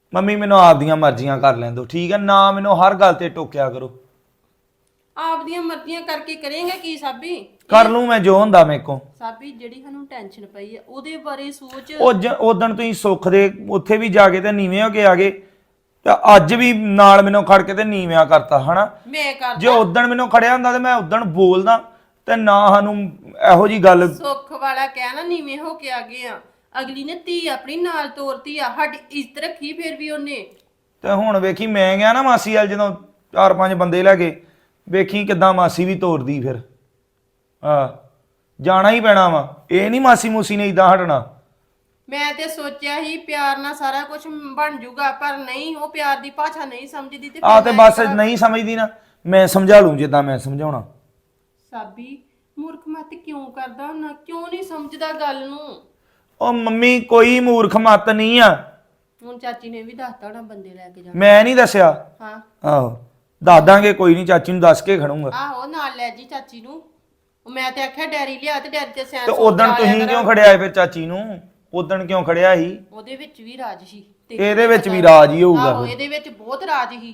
S3: ਮੰਮੀ ਮੈਨੂੰ ਆਪਦੀਆਂ ਮਰਜ਼ੀਆਂ ਕਰ ਲੈਣ ਦਿਓ ਠੀਕ ਹੈ ਨਾ ਮੈਨੂੰ ਹਰ ਗੱਲ ਤੇ ਟੋਕਿਆ ਕਰੋ।
S1: ਆਪਦੀਆਂ ਮਰਜ਼ੀਆਂ ਕਰਕੇ ਕਰੇਂਗਾ ਕੀ ਸਾਬੀ?
S3: ਕਰ ਲੂੰ ਮੈਂ ਜੋ ਹੁੰਦਾ ਮੇਰੇ ਕੋ।
S1: ਸਾਬੀ ਜਿਹੜੀ ਸਾਨੂੰ ਟੈਨਸ਼ਨ ਪਈ ਆ ਉਹਦੇ ਬਾਰੇ ਸੋਚ।
S3: ਉਹ ਉਦਣ ਤੁਸੀਂ ਸੁੱਖ ਦੇ ਉੱਥੇ ਵੀ ਜਾ ਕੇ ਤੇ ਨੀਵੇਂ ਹੋ ਕੇ ਆ ਗਏ ਤੇ ਅੱਜ ਵੀ ਨਾਲ ਮੈਨੂੰ ਖੜ ਕੇ ਤੇ ਨੀਵਿਆਂ ਕਰਤਾ ਹਨਾ।
S1: ਮੈਂ ਕਰਦਾ
S3: ਜੇ ਉਦਣ ਮੈਨੂੰ ਖੜਿਆ ਹੁੰਦਾ ਤੇ ਮੈਂ ਉਦਣ ਬੋਲਦਾ ਤੇ ਨਾ ਸਾਨੂੰ ਇਹੋ ਜੀ ਗੱਲ।
S1: ਸੁੱਖ ਵਾਲਾ ਕਹਿਣਾ ਨੀਵੇਂ ਹੋ ਕੇ ਆ ਗਏ ਆ। ਅਗਲੀ ਨੇ ਧੀ ਆਪਣੀ ਨਾਲ ਤੋਰਤੀ ਆ ਸਾਡੀ ਇੱਜ਼ਤ ਰੱਖੀ ਫਿਰ ਵੀ ਉਹਨੇ।
S3: ਤੇ ਹੁਣ ਵੇਖੀ ਮੈਂ ਗਿਆ ਨਾ ਮਾਸੀ ਵਾਲ ਜਦੋਂ ਚਾਰ ਪੰਜ ਬੰਦੇ ਲੈ ਕੇ ਵੇਖੀ ਕਿੱਦਾਂ ਮਾਸੀ ਵੀ ਤੋਰਦੀ ਫਿਰ। ਆ ਜਾਣਾ ਹੀ ਪੈਣਾ ਵਾ ਇਹ ਨਹੀਂ ਮਾਸੀ ਮੂਸੀ ਨੇ ਇਦਾਂ ਹਟਣਾ।
S1: ਮੈਂ ਤੇ ਸੋਚਿਆ ਸੀ ਪਿਆਰ ਨਾਲ ਸਾਰਾ ਕੁਝ ਬਣ ਜੂਗਾ ਪਰ ਨਹੀਂ ਉਹ ਪਿਆਰ ਦੀ ਭਾਸ਼ਾ ਨਹੀਂ ਸਮਝਦੀ ਤੇ
S3: ਆ ਤੇ ਬਸ ਨਹੀਂ ਸਮਝਦੀ ਨਾ ਮੈਂ ਸਮਝਾ ਲੂੰ ਜਿੱਦਾਂ ਮੈਂ ਸਮਝਾਉਣਾ।
S1: ਸਾਬੀ ਮੂਰਖ ਮਤ ਕਿਉਂ ਕਰਦਾ ਹੁੰਦਾ ਕਿਉਂ ਨਹੀਂ ਸਮਝਦਾ ਗੱਲ ਨੂੰ?
S3: ਉਹ ਮੰਮੀ ਕੋਈ ਮੂਰਖ ਮਤ ਨਹੀਂ ਆ।
S1: ਹੁਣ ਚਾਚੀ ਨੇ ਵੀ ਦੱਸਤਾ ਹੋਣਾ ਬੰਦੇ ਲੈ ਕੇ ਜਾਣਾ।
S3: ਮੈਂ ਨਹੀਂ ਦੱਸਿਆ।
S1: ਹਾਂ
S3: ਆਹੋ ਦੱਸ ਦਾਂਗੇ ਕੋਈ ਨਹੀਂ ਚਾਚੀ ਨੂੰ ਦੱਸ ਕੇ ਖੜੂੰਗਾ।
S1: ਆਹੋ ਨਾਲ ਲੈ ਜੀ ਚਾਚੀ ਨੂੰ। ਉਹ ਮੈਂ ਤੇ ਆਖਿਆ ਡੈਰੀ ਲਿਆ ਤੇ ਡੈਰੀ ਤੇ ਸੈਨ
S3: ਤੇ ਉਦਣ ਤੁਸੀਂ ਕਿਉਂ ਖੜਿਆ ਫਿਰ ਚਾਚੀ ਨੂੰ? ਉਦਣ ਕਿਉਂ ਖੜਿਆ ਸੀ?
S1: ਉਹਦੇ ਵਿੱਚ ਵੀ ਰਾਜ ਸੀ ਤੇ
S3: ਇਹਦੇ ਵਿੱਚ ਵੀ ਰਾਜ ਹੀ ਹੋਊਗਾ
S1: ਆਹੋ
S3: ਫਿਰ।
S1: ਇਹਦੇ ਵਿੱਚ ਬਹੁਤ ਰਾਜ ਸੀ।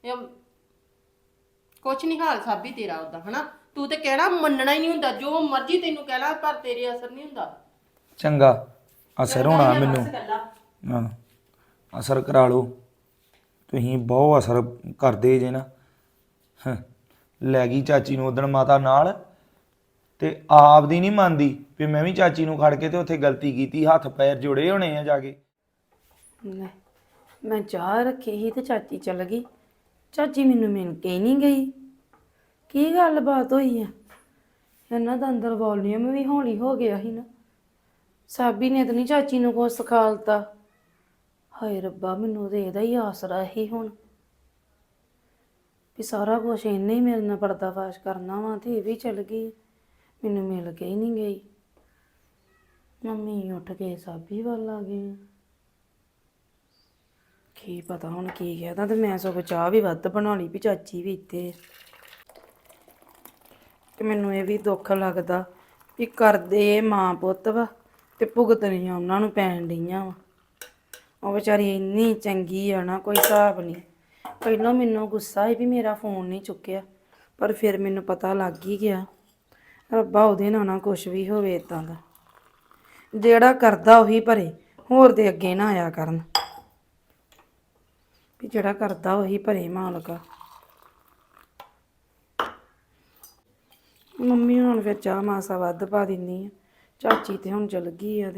S1: ਕੁਛ ਨਹੀਂ ਹਾਲ ਸਾਬੀ ਤੇਰਾ ਉਦਾਂ ਹਨਾ ਤੂੰ ਤੇ ਕਹਿਣਾ ਮੰਨਣਾ ਹੀ ਨਹੀਂ ਹੁੰਦਾ ਜੋ ਮਰਜ਼ੀ ਤੈਨੂੰ ਕਹਿ ਲਾ ਪਰ ਤੇਰੇ ਅਸਰ ਨਹੀਂ ਹੁੰਦਾ।
S3: ਚੰਗਾ ਅਸਰ ਹੋਣਾ ਮੈਨੂੰ। ਹਾਂ ਅਸਰ ਕਰਾ ਲਓ ਤੁਸੀਂ ਬਹੁਤ ਅਸਰ ਕਰਦੇ ਜੇ ਨਾ। ਹਾਂ, ਲੈ ਗਈ ਚਾਚੀ ਨੂੰ ਉਦਣ ਮਾਤਾ ਨਾਲ ਤੇ ਆਪ ਦੀ ਨਹੀਂ ਮੰਨਦੀ ਵੀ ਮੈਂ ਵੀ ਚਾਚੀ ਨੂੰ ਖੜ ਕੇ ਤੇ ਉੱਥੇ ਗਲਤੀ ਕੀਤੀ ਹੱਥ ਪੈਰ ਜੋੜੇ ਹੋਣੇ ਆ ਜਾ ਕੇ।
S4: ਲੈ ਮੈਂ ਚਾਹ ਰੱਖੀ ਸੀ ਤੇ ਚਾਚੀ ਚਲ ਗਈ। ਚਾਚੀ ਮੈਨੂੰ ਮਿਲ ਕੇ ਹੀ ਨਹੀਂ ਗਈ। ਕੀ ਗੱਲਬਾਤ ਹੋਈ ਆ? ਇਹਨਾਂ ਦਾ ਅੰਦਰ ਵੋਲੀਅਮ ਵੀ ਹੌਲੀ ਹੋ ਗਿਆ ਸੀ ਨਾ। ਸਾਬੀ ਨੇ ਤਾਂ ਨਹੀਂ ਚਾਚੀ ਨੂੰ ਕੁਛ ਸਿਖਾਲਤਾ। ਹਾਏ ਰੱਬਾ ਮੈਨੂੰ ਤੇ ਇਹਦਾ ਹੀ ਆਸਰਾ ਹੀ ਹੁਣ ਵੀ ਸਾਰਾ ਕੁਛ ਇਹਨੇ ਹੀ ਮੇਰੇ ਨਾਲ ਪਰਦਾਫਾਸ਼ ਕਰਨਾ ਵਾ ਤੇ ਇਹ ਵੀ ਚਲ ਗਈ ਮੈਨੂੰ ਮਿਲ ਕੇ ਹੀ ਨਹੀਂ ਗਈ। ਮੰਮੀ ਉੱਠ ਕੇ ਸਾਬੀ ਵੱਲ ਆ ਗਈ। ਕੀ ਪਤਾ ਹੁਣ ਕੀ ਕਹਿਦਾ ਤੇ ਮੈਂ ਸਗੋਂ ਚਾਹ ਵੀ ਵੱਧ ਬਣਾ ਲਈ ਵੀ ਚਾਚੀ ਵੀ ਇੱਥੇ ਤੇ ਮੈਨੂੰ ਇਹ ਵੀ ਦੁੱਖ ਲੱਗਦਾ ਵੀ ਕਰਦੇ ਮਾਂ ਪੁੱਤ ਵਾ ਤੇ ਭੁਗਤਣੀਆਂ ਉਹਨਾਂ ਨੂੰ ਪੈਣ ਡਈਆਂ ਵਾ। ਉਹ ਵਿਚਾਰੀ ਇੰਨੀ ਚੰਗੀ ਆ ਨਾ ਕੋਈ ਹਿਸਾਬ ਨਹੀਂ। ਪਹਿਲਾਂ ਮੈਨੂੰ ਗੁੱਸਾ ਸੀ ਵੀ ਮੇਰਾ ਫੋਨ ਨਹੀਂ ਚੁੱਕਿਆ ਪਰ ਫਿਰ ਮੈਨੂੰ ਪਤਾ ਲੱਗ ਹੀ ਗਿਆ ਰੱਬਾ ਉਹਦੇ ਨਾਲ ਨਾ ਕੁਛ ਵੀ ਹੋਵੇ ਇੱਦਾਂ ਦਾ। ਜਿਹੜਾ ਕਰਦਾ ਉਹੀ ਭਰੇ ਹੋਰ ਦੇ ਅੱਗੇ ਨਾ ਆਇਆ ਕਰਨ ਵੀ ਜਿਹੜਾ ਕਰਦਾ ਉਹੀ ਭਰੇ ਮਾਲਕਾ। ਮੰਮੀ ਹੁਣ ਫਿਰ ਚਾਹ ਮਾਸਾ ਵੱਧ ਪਾ ਦਿੰਦੀ ਆ। ਚਾਚੀ ਤੇ ਹੁਣ ਚਲ ਗਈ ਆ ਤੇ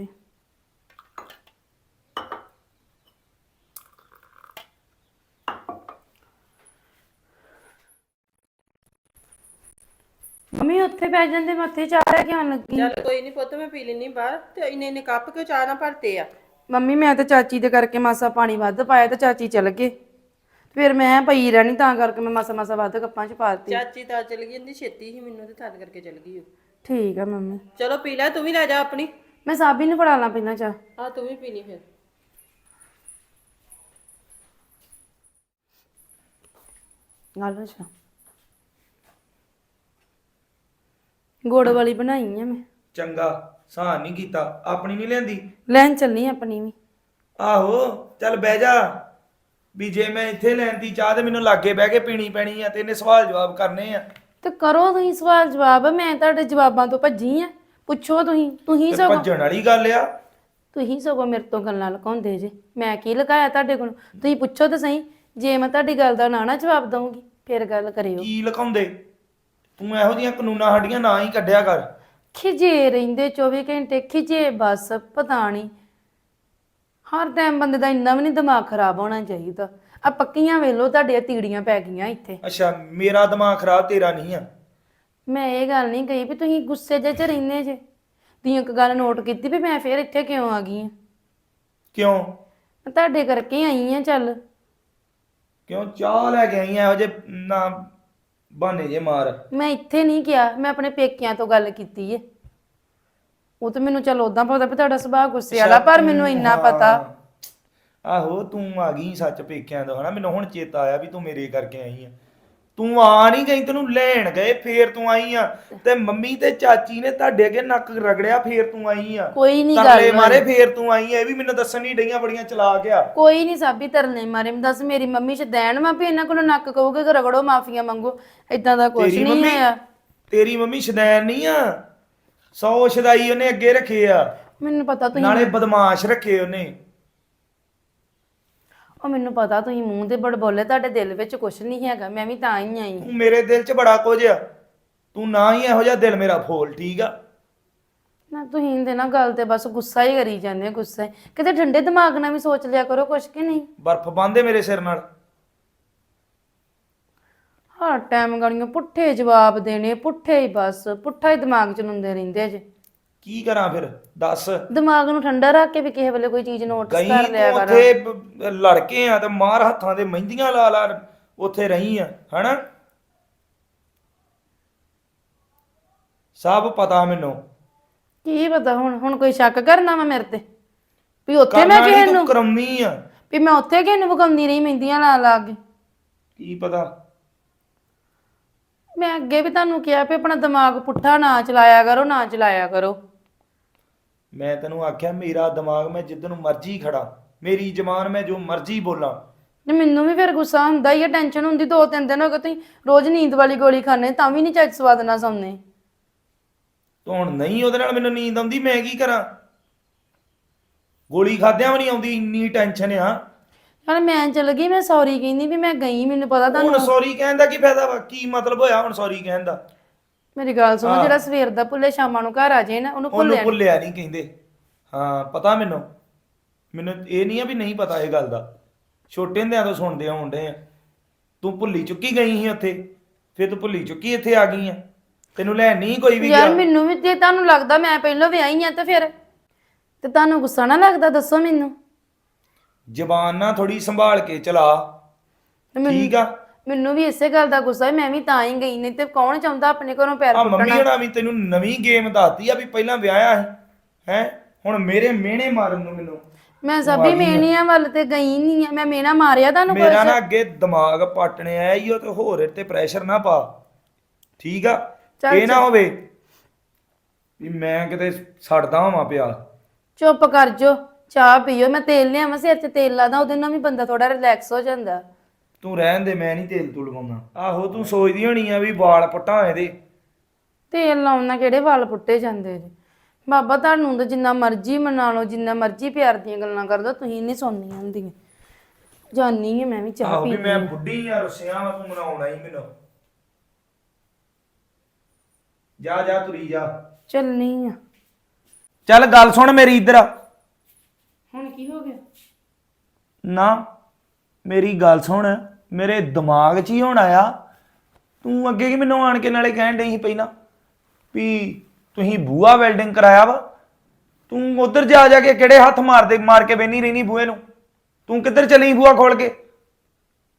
S4: ਮੰਮੀ ਉੱਥੇ ਬੈ ਜਾਂਦੇ ਮੱਥੇ ਚਾਹ ਲੈ ਕੇ ਆਉਣ ਲੱਗੀ।
S1: ਚੱਲ ਕੋਈ ਨਹੀਂ ਪੁੱਤ ਮੈਂ ਪੀ ਲੈਣੀ ਬਾਹਰ ਤੇ ਇੰਨੇ ਇੰਨੇ ਕੱਪ ਕਿਉਂ ਚਾਹ ਨਾ ਭਰਤੇ ਆ?
S4: ਮੰਮੀ ਮੈਂ ਤੇ ਚਾਚੀ ਦੇ ਕਰਕੇ ਮਾਸਾ ਪਾਣੀ ਵੱਧ ਪਾਇਆ ਤੇ ਚਾਚੀ ਚਲ ਗਏ ਫਿਰ ਮੈਂ ਪਈ ਰਹਿਣੀ ਤਾਂ ਕਰਕੇ ਮੈਂ ਮਾਸਾ ਮਾਸਾ ਵੱਧ ਕੱਪਾਂ 'ਚ ਪਾ ਦਿੱਤੀ।
S1: ਚਾਚੀ ਤਾਂ ਚਲ ਗਈ ਇੰਦੀ ਛੇਤੀ ਹੀ ਮੈਨੂੰ ਤੇ ਥੱਦ ਕਰਕੇ ਚਲ ਗਈ ਉਹ।
S4: ਠੀਕ ਆ ਮੰਮੀ
S1: ਚਲੋ ਪੀ ਲੈ ਤੂੰ ਵੀ ਲੈ ਜਾ ਆਪਣੀ।
S4: ਮੈਂ ਸਾਬੀ ਨੂੰ ਫੜਾ ਲਾਂ ਪਹਿਲਾਂ ਚਾਹ।
S1: ਹਾਂ ਤੂੰ ਵੀ ਪੀਣੀ ਫਿਰ।
S4: ਗੱਲ ਅੱਛਾ ਗੁੜ ਵਾਲੀ ਬਣਾਈ ਆ ਮੈਂ।
S3: ਚੰਗਾ ਸਾਨ ਨਹੀਂ ਕੀਤਾ ਆਪਣੀ ਨਹੀਂ ਲੈਂਦੀ।
S4: ਲੈਣ ਚੱਲਣੀ ਆਪਣੀ ਵੀ।
S3: ਆਹੋ ਚੱਲ ਬਹਿ ਜਾ ਵੀ ਜੇ ਮੈਂ ਇੱਥੇ ਲੈਂਦੀ ਚਾਹ ਤੇ ਮੈਨੂੰ ਲਾਗੇ ਬਹਿ ਕੇ ਪੀਣੀ ਪੈਣੀ ਆ ਤੇ ਇਹਨੇ ਸਵਾਲ ਜਵਾਬ ਕਰਨੇ ਆ।
S4: ਤੇ ਕਰੋ ਤੁਸੀਂ ਸਵਾਲ ਜਵਾਬ ਮੈਂ ਤੁਹਾਡੇ ਜਵਾਬਾਂ ਤੋਂ ਭੱਜੀ ਆ। ਪੁੱਛੋ ਤੁਸੀਂ ਤੁਸੀਂ
S3: ਤੇ
S4: ਸਗੋਂ
S3: ਭੱਜਣ ਵਾਲੀ ਗੱਲ ਆ।
S4: ਤੁਸੀਂ ਸਗੋਂ ਮੇਰੇ ਤੋਂ ਗੱਲਾਂ ਲੁਕਾਉਂਦੇ ਜੇ। ਮੈਂ ਕੀ ਲਗਾਇਆ ਤੁਹਾਡੇ ਕੋਲ? ਤੁਸੀਂ ਪੁੱਛੋ ਤਾਂ ਸਹੀ। ਜੇ ਮੈਂ ਤੁਹਾਡੀ ਗੱਲ ਦਾ ਨਾ ਨਾ ਜਵਾਬ ਦਊਂਗੀ ਫਿਰ ਗੱਲ ਕਰਿਓ।
S3: ਕੀ ਲਕਾਉਂਦੇ ਤੂੰ ਇਹੋ ਜਿਹੀਆਂ ਕਾਨੂੰਨਾਂ ਸਾਡੀਆਂ ਨਾ ਹੀ ਕੱਢਿਆ ਕਰ।
S4: ਖਿਜੇ ਰਹਿੰਦੇ ਚੌਵੀ ਘੰਟੇ ਖਿਜੇ ਬਸ ਪਤਾ ਨਹੀਂ ਹਰ ਟਾਈਮ ਬੰਦੇ ਦਾ ਇੰਨਾ ਵੀ ਨਹੀਂ ਦਿਮਾਗ ਖਰਾਬ ਹੋਣਾ ਚਾਹੀਦਾ। ਆ ਪੱਕੀਆਂ ਵੇਲੋ ਤੁਹਾਡੀਆਂ ਤੀੜੀਆਂ ਪੈ ਗਈਆਂ ਇੱਥੇ।
S3: ਅੱਛਾ ਮੇਰਾ ਦਿਮਾਗ ਖਰਾਬ ਤੇਰਾ ਨਹੀਂ ਆ।
S4: ਮੈਂ ਇਹ ਗੱਲ ਨਹੀਂ ਕਹੀ ਵੀ ਤੁਸੀਂ ਗੁੱਸੇ ਜਿਹੇ 'ਚ ਰਹਿੰਦੇ ਜੇ। ਤੁਸੀਂ ਇੱਕ ਗੱਲ ਨੋਟ ਕੀਤੀ ਵੀ ਮੈਂ ਫੇਰ ਇੱਥੇ ਕਿਉਂ ਆ ਗਈ ਆ?
S3: ਕਿਉਂ
S4: ਮੈਂ ਤੁਹਾਡੇ ਕਰਕੇ ਆਈ ਆ। ਚੱਲ
S3: ਕਿਉਂ ਚਾਹ ਲੈ ਕੇ ਆਈ ਆ ਇਹੋ ਜੇ ਨਾ ਬਹਾਨੇ ਜੇ ਮਾਰ।
S4: ਮੈਂ ਇੱਥੇ ਨਹੀਂ ਕਿਹਾ ਮੈਂ ਆਪਣੇ ਪੇਕਿਆਂ ਤੋਂ ਗੱਲ ਕੀਤੀ ਏ। ਉਹ ਤਾਂ ਮੈਨੂੰ ਚੱਲ ਉਦਾਂ ਪਤਾ ਵੀ ਤੁਹਾਡਾ ਸੁਭਾਅ ਗੁੱਸੇ ਵਾਲਾ ਪਰ ਮੈਨੂੰ ਇੰਨਾ ਪਤਾ।
S3: ਆਹੋ ਤੂੰ ਆ ਗਈ ਸੱਚ ਪੇਕਿਆਂ ਤੋਂ ਹਨਾ ਮੈਨੂੰ ਹੁਣ ਚੇਤਾ ਆਇਆ ਵੀ ਤੂੰ ਮੇਰੇ ਕਰਕੇ ਆਈ ਆ। ਤੂੰ ਆ ਨਹੀਂ ਗਈ, ਤੈਨੂੰ ਲੈਣ ਗਏ ਫੇਰ ਤੂੰ ਆਈ ਆ। ਤੇ ਮੰਮੀ ਤੇ ਚਾਚੀ ਨੇ ਤੁਹਾਡੇ ਅੱਗੇ ਨੱਕ ਰਗੜਿਆ ਫੇਰ ਤੂੰ ਆਈ ਆ।
S2: ਕੋਈ ਨਹੀਂ
S3: ਤਰਲੇ
S2: ਗੱਲ
S3: ਮਾਰੇ ਫੇਰ ਤੂੰ ਆਈ ਆ। ਇਹ ਵੀ ਮੈਨੂੰ ਦੱਸਣ ਨਹੀਂ ਡਈਆਂ, ਬੜੀਆਂ ਚਲਾਕ ਆ।
S4: ਕੋਈ ਨਹੀਂ ਸਾਬੀ ਤਰਲੇ ਮਾਰੇ। ਮੈਂ ਦੱਸ ਮੇਰੀ ਮੰਮੀ ਚ ਦੇਣ ਵਾ ਵੀ ਇਹਨਾਂ ਕੋਲੋਂ ਨੱਕ ਕਹੋਗੇ ਕਿ ਰਗੜੋ ਮਾਫੀਆਂ ਮੰਗੋ, ਇਦਾਂ ਦਾ ਕੁਝ
S3: ਤੇਰੀ
S4: ਨਹੀਂ
S3: ਮੰਮੀ
S4: ਹੋਇਆ।
S3: ਤੇਰੀ ਮੰਮੀ ਸ਼ਦੈਨ ਨਹੀਂ ਆ, ਸੌ ਸ਼ਦਾਈ ਉਹਨੇ ਅੱਗੇ ਰੱਖੇ ਆ,
S4: ਮੈਨੂੰ ਪਤਾ ਤੁਸੀਂ
S3: ਨਾਲੇ ਬਦਮਾਸ਼ ਰੱਖੇ ਉਹਨੇ।
S4: ਉਹ ਮੈਨੂੰ ਪਤਾ ਤੁਸੀਂ ਮੂੰਹ ਤੇ ਬੜ ਬੋਲੇ, ਤੁਹਾਡੇ ਦਿਲ ਵਿੱਚ ਕੁਝ ਨਹੀਂ ਹੈਗਾ, ਮੈਂ ਵੀ ਤਾਂ ਹੀ ਆਈ।
S3: ਤੂੰ ਮੇਰੇ ਦਿਲ 'ਚ ਬੜਾ ਕੁਝ ਆ, ਤੂੰ ਨਾ ਹੀ ਇਹੋ ਜਿਹਾ ਦਿਲ ਮੇਰਾ ਫੋਲ, ਠੀਕ ਆ।
S4: ਨਾ ਤੁਸੀਂ ਦੇ ਨਾ ਗੱਲ ਤੇ ਬਸ ਗੁੱਸਾ ਹੀ ਕਰੀ ਜਾਂਦੇ ਹੋ, ਗੁੱਸਾ ਹੀ। ਕਿਤੇ ਠੰਡੇ ਦਿਮਾਗ ਨਾਲ ਵੀ ਸੋਚ ਲਿਆ ਕਰੋ ਕੁਛ ਕਿ ਨਹੀਂ।
S3: ਬਰਫ਼ ਬੰਨ੍ਹਦੇ ਮੇਰੇ ਸਿਰ ਨਾਲ।
S4: ਹਰ ਟਾਈਮ ਗਾਲੀਆਂ ਪੁੱਠੇ ਜਵਾਬ ਦੇਣੇ, ਪੁੱਠੇ ਹੀ ਬਸ ਪੁੱਠਾ ਹੀ ਦਿਮਾਗ ਚ ਲੁੰਦੇ ਰਹਿੰਦੇ ਜੇ।
S3: ਕੀ ਕਰਾਂ ਫਿਰ ਦੱਸ।
S4: ਦਿਮਾਗ ਨੂੰ ਠੰਡਾ ਰੱਖ ਕੇ ਵੀ ਕਿਸੇ ਵੇਲੇ ਕੋਈ ਚੀਜ਼ ਨੋਟਿਸ
S3: ਗਈ
S4: ਕਰ ਲਿਆ
S3: ਤੂੰ
S4: ਕਰ।
S3: ਉੱਥੇ ਬ- ਲੜਕੇ ਆ ਤੇ ਮਾਰ ਹੱਥਾਂ ਦੇ ਮਹਿੰਦੀਆਂ ਲਾ ਲਾ ਉੱਥੇ ਰਹੀ ਆ, ਹਨਾ। ਸਭ ਪਤਾ ਮੈਨੂੰ।
S4: ਕੀ ਪਤਾ ਹੁਣ ਹੁਣ ਕੋਈ ਸ਼ੱਕ ਕਰਨਾ ਵਾ ਮੇਰੇ ਤੇ ਵੀ ਉੱਥੇ ਮੈਂ
S3: ਕਰਨਾ ਨੀ,
S4: ਕਿਸੇ
S3: ਤੂੰ
S4: ਨੂੰ
S3: ਕਰਮੀ ਆ।
S4: ਵੀ ਮੈਂ ਉੱਥੇ ਕਿਸੇ ਨੂੰ ਵਗਾਉਂਦੀ ਰਹੀ ਮਹਿੰਦੀਆਂ ਲਾ ਲਾ ਕੇ।
S3: ਕੀ ਪਤਾ।
S4: ਮੈਂ ਅੱਗੇ ਵੀ ਤੁਹਾਨੂੰ ਕਿਹਾ ਵੀ ਆਪਣਾ ਦਿਮਾਗ ਪੁੱਠਾ ਨਾ ਚਲਾਇਆ ਕਰੋ, ਨਾ ਚਲਾਇਆ ਕਰੋ।
S3: ਮੈਂ ਤੈਨੂੰ ਆਖਿਆ ਮੇਰਾ ਦਿਮਾਗ ਮੈਂ ਜਿੱਦ ਨੂੰ ਮਰਜ਼ੀ ਖੜਾ, ਮੇਰੀ ਜ਼ਬਾਨ ਮੈਂ ਜੋ ਮਰਜ਼ੀ ਬੋਲਾਂ।
S4: ਤੇ ਮੈਨੂੰ ਵੀ ਫਿਰ ਗੁੱਸਾ ਹੁੰਦਾ ਹੀ ਆ, ਟੈਨਸ਼ਨ ਹੁੰਦੀ। ਦੋ ਤਿੰਨ ਦਿਨ ਹੋ ਗਏ ਤੁਸੀਂ ਰੋਜ਼ ਨੀਂਦ ਵਾਲੀ ਗੋਲੀ ਖਾਣੇ ਤਾਂ ਵੀ ਨਹੀਂ ਚੱਜ ਸਵਾਦ ਨਾਲ ਸੌਂਦੇ।
S3: ਤੂੰ ਹੁਣ ਨਹੀਂ ਉਹਦੇ ਨਾਲ ਮੈਨੂੰ ਨੀਂਦ ਆਉਂਦੀ, ਮੈਂ ਕੀ ਕਰਾਂ। ਗੋਲੀ ਖਾਦਿਆਂ ਵੀ ਨਹੀਂ ਆਉਂਦੀ, ਇੰਨੀ ਟੈਨਸ਼ਨ ਆ।
S4: ਯਾਰ ਮੈਂ ਚਲ ਗਈ, ਮੈਂ ਸੌਰੀ ਕਹਿੰਦੀ ਵੀ ਮੈਂ ਗਈ, ਮੈਨੂੰ ਪਤਾ
S3: ਹੁਣ
S4: ਤੁਹਾਨੂੰ।
S3: ਸੌਰੀ ਕਹਿਣ ਦਾ ਕੀ ਫਾਇਦਾ ਵਾ, ਕੀ ਮਤਲਬ ਹੋਇਆ ਹੁਣ ਸੌਰੀ ਕਹਿਣ ਦਾ।
S4: ਮੇਰੀ ਗੱਲ ਸੁਣੋ, ਜਿਹੜਾ ਸਵੇਰ ਦਾ ਭੁੱਲੇ ਸ਼ਾਮਾਂ ਨੂੰ ਘਰ ਆ ਜਾਏ ਨਾ, ਉਹਨੂੰ
S3: ਉਹਨੂੰ
S4: ਭੁੱਲਿਆ ਨੀ।
S3: ਭੁੱਲਿਆ ਨਹੀਂ ਕਹਿੰਦੇ। ਹਾਂ ਪਤਾ ਮੈਨੂੰ, ਮੈਨੂੰ ਇਹ ਨਹੀਂ ਆ ਵੀ ਨਹੀਂ ਪਤਾ ਇਹ ਗੱਲ ਦਾ। ਛੋਟੇ ਹੁੰਦਿਆਂ ਤੋਂ ਸੁਣਦੇ ਆਉਂਦੇ ਆ। ਤੂੰ ਭੁੱਲੀ ਚੁੱਕੀ ਗਈ ਸੀ ਉੱਥੇ, ਫਿਰ ਤੂੰ ਭੁੱਲੀ ਚੁੱਕੀ ਇੱਥੇ ਆ ਗਈ ਆ। ਤੈਨੂੰ ਲੈਣ ਨਹੀਂ ਕੋਈ ਵੀ
S4: ਯਾਰ
S3: ਗਿਆ।
S4: ਮੈਨੂੰ ਵੀ ਜੇ ਤੁਹਾਨੂੰ ਲੱਗਦਾ ਮੈਂ ਪਹਿਲਾਂ ਵਿਆਹੀ ਆ ਤਾਂ ਫਿਰ ਤੇ ਤੁਹਾਨੂੰ ਗੁੱਸਾ ਨਾ ਲੱਗਦਾ, ਦੱਸੋ ਮੈਨੂੰ।
S3: ਜ਼ਬਾਨ ਨਾ ਥੋੜੀ ਸੰਭਾਲ ਕੇ ਚਲਾ,
S4: ਤੇ ਮੈਨੂੰ-
S3: ਠੀਕ ਆ।
S4: ਮੈਨੂੰ ਵੀ ਇਸੇ ਗੱਲ ਦਾ ਗੁੱਸਾ ਹੈ, ਮੈਂ ਵੀ ਤਾਂ ਹੀ ਗਈ, ਨਹੀਂ ਤੇ ਕੌਣ ਚਾਹੁੰਦਾ ਆਪਣੇ ਘਰੋਂ ਪੈਰ
S3: ਆ ਮੰਮੀ
S4: ਪੁੱਟਣਾ।
S3: ਹੋਣਾ ਵੀ ਤੈਨੂੰ ਨਵੀਂ ਗੇਮ ਦੱਸਦੀ ਆ ਵੀ ਪਹਿਲਾਂ ਵਿਆਹਿਆ ਸੀ ਹੈ, ਹੁਣ ਮੇਰੇ ਮਿਹਣੇ ਮਾਰਨ ਨੂੰ ਮੈਨੂੰ।
S4: ਮੈਂ ਸਭੀ ਮੇਣੀਆਂ ਵੱਲ ਤੇ ਗਈ ਨਹੀਂ ਆ, ਮੈਂ ਮੇਣਾ ਮਾਰਿਆ ਤੁਹਾਨੂੰ
S3: ਮੇਰਾ
S4: ਕੁਛ?
S3: ਨਾ ਅੱਗੇ ਦਿਮਾਗ ਪਟਣੇ ਆਇਆ ਈ, ਉਹ ਤੇ ਹੋਰ ਇਹ ਤੇ ਪ੍ਰੈਸ਼ਰ ਨਾ ਪਾ, ਠੀਕ ਆ।
S4: ਚੱਲ
S3: ਇਹ ਨਾ ਹੋਵੇ ਵੀ ਮੈਂ ਕਿਤੇ ਸੜਦਾ ਹੋਵਾਂ ਪਿਆ।
S4: ਚੁੱਪ ਕਰ ਜੋ, ਚਾਹ ਪੀਓ, ਮੈਂ ਤੇਲ ਲਿਆਵਾਂ ਸਿਰ 'ਚ ਤੇਲ ਲਾਦਾ, ਉਹਦੇ ਨਾਲ ਵੀ ਬੰਦਾ ਥੋੜਾ ਰਿਲੈਕਸ ਹੋ ਜਾਂਦਾ।
S3: ਤੂੰ ਰਹਿਣ ਦੇ, ਮੈਂ ਨਹੀਂ ਤੇਲ ਤੂਲ ਲਵਾਉਣਾ। ਆਹੋ ਤੂੰ ਸੋਚਦੀ ਹੋਣੀ ਆ ਵੀ ਵਾਲ ਪੁੱਟਾਂ ਇਹਦੇ।
S4: ਤੇਲ ਲਾਉਣ ਨਾਲ ਕਿਹੜੇ ਵਾਲ ਪੁੱਟੇ ਜਾਂਦੇ ਜੀ। ਬਾਬਾ ਤੁਹਾਨੂੰ ਤਾਂ ਜਿੰਨਾ ਮਰਜ਼ੀ ਮਨਾ ਲਓ, ਜਿੰਨਾ ਮਰਜ਼ੀ ਪਿਆਰ ਦੀਆਂ ਗੱਲਾਂ ਕਰ ਦੋ, ਤੁਸੀਂ ਨਹੀਂ ਸੁਣਨੀਆਂ ਹੁੰਦੀਆਂ। ਜਾਨੀ ਹੈ ਮੈਂ ਵੀ ਚਾਹ
S3: ਆਹੋ
S4: ਪੀ
S3: ਵੀ ਮੈਂ ਬੁੱਢੀ ਆ ਰੁੱਸਿਆ ਵਾ, ਤੂੰ ਮਨਾਉਣਾ ਹੀ ਮੈਨੂੰ। ਜਾ ਜਾ ਤੁਰੀ ਜਾ।
S4: ਚੱਲਣੀ ਆ।
S3: ਚੱਲ ਗੱਲ ਸੁਣ ਮੇਰੀ ਇੱਧਰ ਆ।
S4: ਹੁਣ ਕੀ ਹੋ ਗਿਆ?
S3: ਨਾ ਮੇਰੀ ਗੱਲ ਸੁਣ, ਮੇਰੇ ਦਿਮਾਗ 'ਚ ਹੀ ਹੁਣ ਆਇਆ। ਤੂੰ ਅੱਗੇ ਕੀ ਮੈਨੂੰ ਆਣ ਕੇ ਨਾਲੇ ਕਹਿਣ ਡਈ ਸੀ ਪਹਿਲਾਂ ਵੀ ਤੁਸੀਂ ਬੂਹਾ ਵੈਲਡਿੰਗ ਕਰਾਇਆ ਵਾ। ਤੂੰ ਉਧਰ ਜਾ ਜਾ ਕੇ ਕਿਹੜੇ ਹੱਥ ਮਾਰਦੇ ਮਾਰ ਕੇ ਬੈਣੀ ਰਹਿਣੀ ਬੂਹੇ ਨੂੰ। ਤੂੰ ਕਿੱਧਰ ਚਲੀ ਬੂਹਾ ਖੋਲ ਕੇ?